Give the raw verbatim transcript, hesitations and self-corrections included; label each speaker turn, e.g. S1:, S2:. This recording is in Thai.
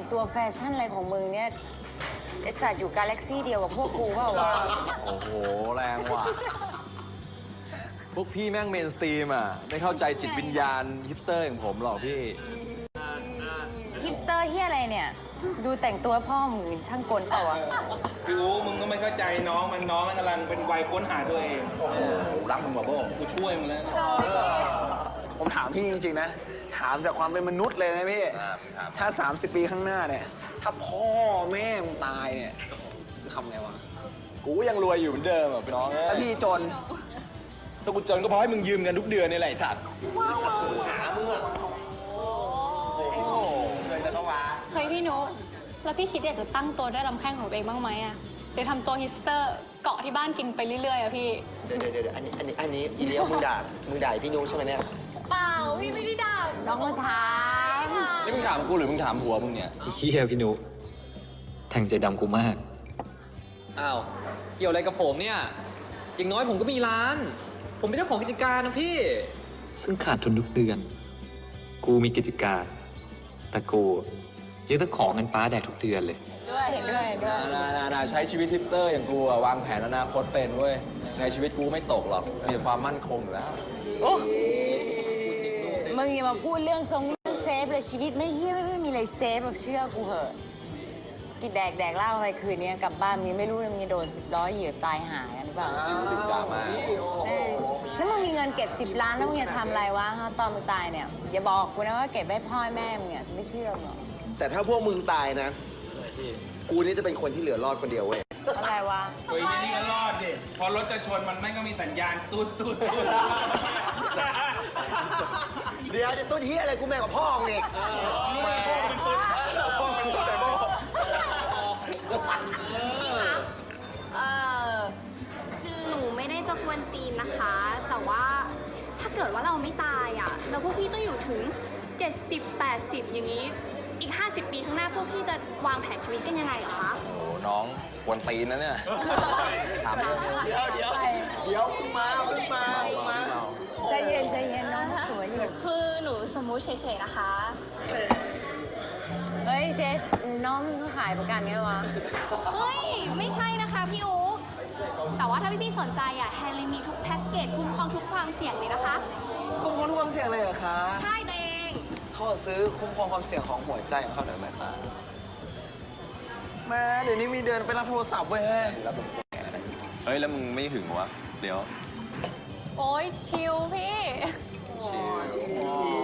S1: ตัวแฟชั่นอะไรของมึงเนี่ยไอสัตว์อยู่กาแล็กซี่เดียวกับพวกกูเปล่าวะ
S2: โอ้โห แรงว่ะ พวกพี่แม่งเมนสตรีมอ่ะ ไม่เข้าใจจิตวิญญาณฮิปสเตอร์อย่างผมหรอกพี่
S1: ฮิปสเตอร์เฮียอะไรเนี่ย ดูแต่งตัวพ่อมึงช่างกลเปล่าวะ
S3: พี่อู๋มึงก็ไม่เข้าใจน้องมันน้องมันกำลังเป็นวัยค้นหาตัวเอง
S2: รักมึงบ่าโบ
S3: กูช่วยมึงแล้วนะ
S4: ผมถามพี่จริงๆนะ ถามจากความเป็นมนุษย์เลยนะพี่ ถ้า สามสิบ ปีข้างหน้าเนี่ย ถ้าพ่อแม่มึงตายเนี่ยทำไงวะ
S2: กูยังรวยอยู่เหมือนเดิมอ่ะพี่น้องเอ้
S4: ถ้าย พี่จน
S2: ถ้ากูจนก็เพราะให้มึงยืมเงินทุกเดือนนี่แหละไอ้สัตว์
S5: เฮ้ยพี่นุ๊กแล้วพี่คิดอยากจะตั้งตัวด้วยลำแข้งของตัวเองบ้างไหมอะหรือทำตัวฮิปสเตอร์เกาะที่บ้านกินไปเรื่อยๆอะพี่
S6: เดี๋ยวเดี๋ยวเดี๋ยวอันนี้อันนี้อันนี้อีเลี้ยวมึงด่ามึงด่าพี่นุ้งใช่ไหมเนี่ย
S5: เปล่าพี่ไม่ได้ด่า
S1: น้องมาถาม
S2: นี่มึงถามกูหรือมึงถามผัวมึงเนี่ย
S7: เฮียพี่นุแทงใจดำกูมาก
S8: อ้าว เกี่ยวอะไรกับผมเนี่ย อย่างน้อยผมก็มีร้าน ผมเป็นเจ้าของกิจการนะพี่
S7: ซึ่งขาดทุนทุกเดือน กูมีกิจการ แต่กูยังต้องของเงินป้าแดกทุกเดือนเลย
S1: ด้วยเห็นด้วยเห็นด้วย
S2: นานานาใช้ชีวิตฮิปสเตอร์อย่างกูอะวางแผนอนาคตเป็นเว้ย ในชีวิตกูไม่ตกหรอก มีแต่ความมั่นคงอยู่แล้ว
S1: โอ้มึงอย่ามาพูดเรื่องทรงเรื่องเซฟเลยชีวิตไม่เฮียไม่ไม่มีอะไรเซฟหรอกเชื่อกูเหอะกินแดกแดกเหล้าไปคืนนี้กลับบ้านมึงไม่รู้เลยมึงจะโดนสิบล้อเหยียบตายหายกันหรือเปล่า
S2: ติดดราม่า
S1: เออแล้วมึงมีเงินเก็บสิบล้านแล้วมึงจะทำอะไรวะฮะตอนมึงตายเนี่ยอย่าบอกกูนะว่าเก็บไว้พ่อแม่มึงเนี่ยไม่เชื่อหรอก
S6: แต่ถ้าพวกมึงตายนะ กูนี่จะเป็นคนที่เหลือรอดคนเดียวเว้ย
S1: อะไรวะ
S3: เฮ้ยนี่ก็รอดดิ พอรถจะชนมันไม่ก็มีสัญญาณตูดตูดตูด
S6: เดี๋ยวจะต้นเฮียอะไรกูแม่กับพ่อมึงอีกแม่
S2: ป้องเป็นตัวไหนบ้าง
S5: เออคือหนูไม่ได้จะกวนตีนนะคะ แต่ว่าถ้าเกิดว่าเราไม่ตายอ่ะแล้วพวกพี่ต้องอยู่ถึง เจ็ดสิบ แปดสิบ อย่างนี้ อีก ห้าสิบ ปีข้างหน้าพวกพี่จะวางแผนชีวิตกันยังไงเหรอคะ
S2: โอ้น้องกวนตีนนะเนี่ย ถาม
S6: เดี๋ยวเดี๋ยวเดี๋ยวมึงมามึงมามึงมา
S1: ใจเย็นใจเย็นน้องสวยอยู่
S5: คือหนูสมมุติเฉยๆนะคะ
S1: เฮ้ยเจ๊น้องขายประกันไงวะ
S5: เฮ้ย ไม่ใช่นะคะพี่อู๋แต่ว่าถ้าพี่ๆสนใจอ่ะแฮร์รี่มีทุกแพ็กเกจคุ้มครองทุกความเสี่ยงเลยนะคะ
S4: คุ้มครองทุกความเสี่ยงเลยเหรอคะ
S5: ใช่ตัวเอง
S4: เขาซื้อคุ้มครองความเสี่ยงของหัวใจของเขาหน่อยไหมคะแม่เดี๋ยวนี้มีเดินไปรับโทรศัพท์เว้ย
S2: เฮ้ย แล้วมึงไม่หึงวะ เดี๋ยว
S5: โอ้ยชิลพี่
S2: ชิล